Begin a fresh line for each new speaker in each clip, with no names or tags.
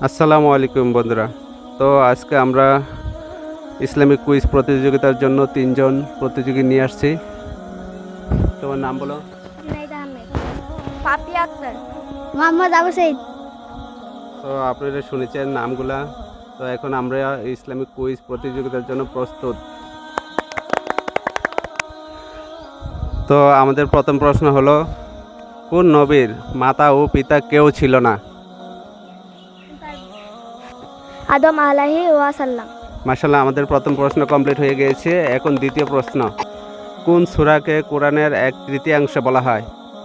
আসসালামু আলাইকুম বন্ধুরা। তো আজকে আমরা ইসলামিক কুইজ প্রতিযোগিতার জন্য তিনজন প্রতিযোগী নিয়ে আসছি। তোমার নাম বলো।
জুনাইদ আহমেদ, পাপিয়া আক্তার, মোহাম্মদ আবু সাইদ।
তো আপনারা শুনেছেন নামগুলা। তো এখন আমরা ইসলামিক কুইজ প্রতিযোগিতার জন্য প্রস্তুত। তো আমাদের প্রথম প্রশ্ন হলো, কোন নবীর মাতা ও পিতা কেউ ছিল না?
আদম আলাইহি ওয়াসাল্লাম।
মাশাআল্লাহ, আমাদের প্রথম প্রশ্ন কমপ্লিট হয়ে গিয়েছে। এখন দ্বিতীয় প্রশ্ন, কোন সূরাকে কোরআনের 1/3 বলা হয়?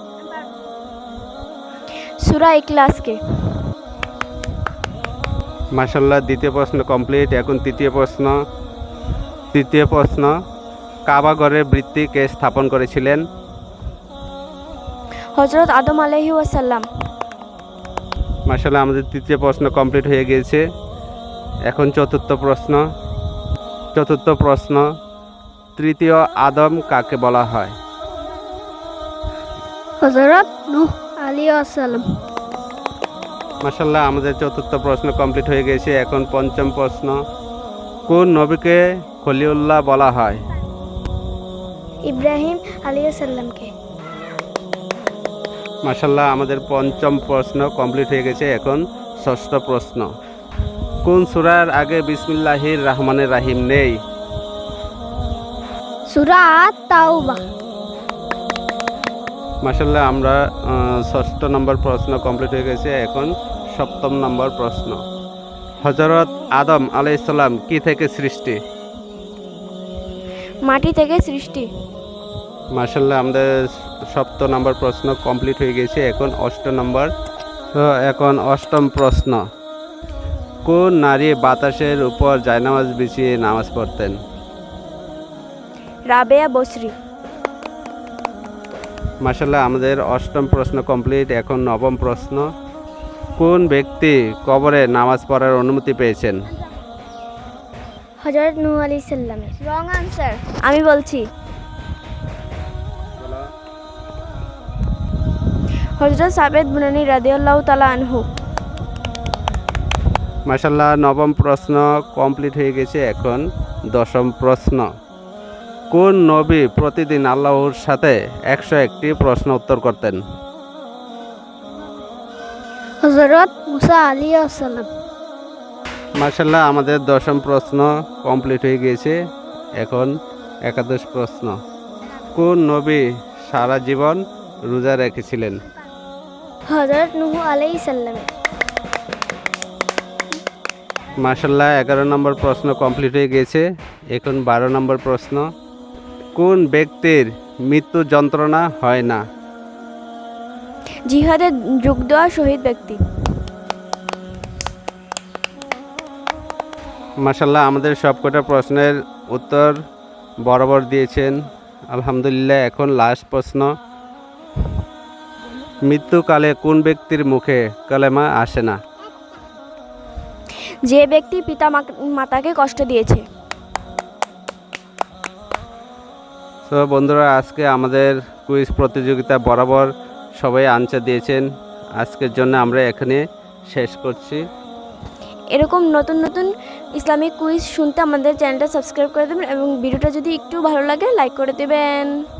সূরা ইখলাসকে।
মাশাআল্লাহ, দ্বিতীয় প্রশ্ন কমপ্লিট। এখন তৃতীয় প্রশ্ন, কাবা ঘরের ভিত্তি কে স্থাপন করেছিলেন?
হযরত আদম আলাইহি ওয়াসাল্লাম।
মাশাআল্লাহ, আমাদের তৃতীয় প্রশ্ন কমপ্লিট হয়ে গিয়েছে। এখন চতুর্থ প্রশ্ন, তৃতীয় আদম কাকে বলা হয়?
হযরত নূহ আলাইহিস সালাম।
মাশাআল্লাহ, আমাদের চতুর্থ প্রশ্ন কমপ্লিট হয়ে গেছে। এখন পঞ্চম প্রশ্ন, কোন নবীকে খলিলুল্লাহ বলা হয়?
ইব্রাহিম আলাইহিস সালামকে।
মাশাআল্লাহ, আমাদের পঞ্চম প্রশ্ন কমপ্লিট হয়ে গেছে। এখন ষষ্ঠ প্রশ্ন, কোন সূরার আগে বিসমিল্লাহির রহমানির রহিম নেই?
সূরা আত-তাওবা।
মাশাআল্লাহ, আমরা ষষ্ঠ নম্বর প্রশ্ন কমপ্লিট হয়ে গেছে। এখন সপ্তম নম্বর প্রশ্ন, হযরত আদম আলাইহিস সালাম কি থেকে সৃষ্টি?
মাটি থেকে সৃষ্টি।
মাশাআল্লাহ, আমাদের সপ্তম নম্বর প্রশ্ন কমপ্লিট হয়ে গেছে। এখন অষ্টম প্রশ্ন, কোন নারী বাতাসের উপর জায়নামাজ বিছিয়ে নামাজ পড়তেন?
রাবেয়া বসরি।
মাশাআল্লাহ, আমাদের অষ্টম প্রশ্ন কমপ্লিট। এখন নবম প্রশ্ন, কোন ব্যক্তি কবরে নামাজ পড়ার অনুমতি পেয়েছেন?
হযরত নূহ আলাইহিস সালাম। Wrong answer. আমি বলছি হযরত সাবেদ বুনানি রাদিয়াল্লাহু তাআলা আনহু।
মাশাআল্লাহ, নবম প্রশ্ন কমপ্লিট হয়ে গেছে। এখন দশম প্রশ্ন, কোন নবী প্রতিদিন আল্লাহর সাথে 101টি প্রশ্ন উত্তর করতেন?
হযরত মুসা আলাইহিস সালাম।
মাশাআল্লাহ, আমাদের দশম প্রশ্ন কমপ্লিট হয়ে গিয়েছে। এখন একাদশ প্রশ্ন, কোন নবী সারা জীবন রোজা রেখেছিলেন?
হযরত নূহ আলাইহিস সালাম।
মাশাআল্লাহ, 11 নম্বর প্রশ্ন কমপ্লিট হয়ে গিয়েছে। এখন 12 নম্বর প্রশ্ন, কোন ব্যক্তির মৃত্যু যন্ত্রণা হয় না?
জিহাদে যোগ দেওয়া শহীদ ব্যক্তি।
মাশাআল্লাহ, আমাদের সবকটা প্রশ্নের উত্তর বরাবর দিয়েছেন, আলহামদুলিল্লাহ। এখন লাস্ট প্রশ্ন, মৃত্যুকালে কোন ব্যক্তির মুখে কালেমা আসে না?
যে ব্যক্তি পিতা মাতাকে কষ্ট দিয়েছে।
তো বন্ধুরা, আজকে আমাদের কুইজ প্রতিযোগিতা বরাবর সবাই আনসার দিয়েছেন। আজকের জন্য আমরা এখানে শেষ করছি।
এরকম নতুন নতুন ইসলামিক কুইজ শুনতে আমাদের চ্যানেলটা সাবস্ক্রাইব করে দেবেন এবং ভিডিওটা যদি একটু ভালো লাগে লাইক করে দেবেন।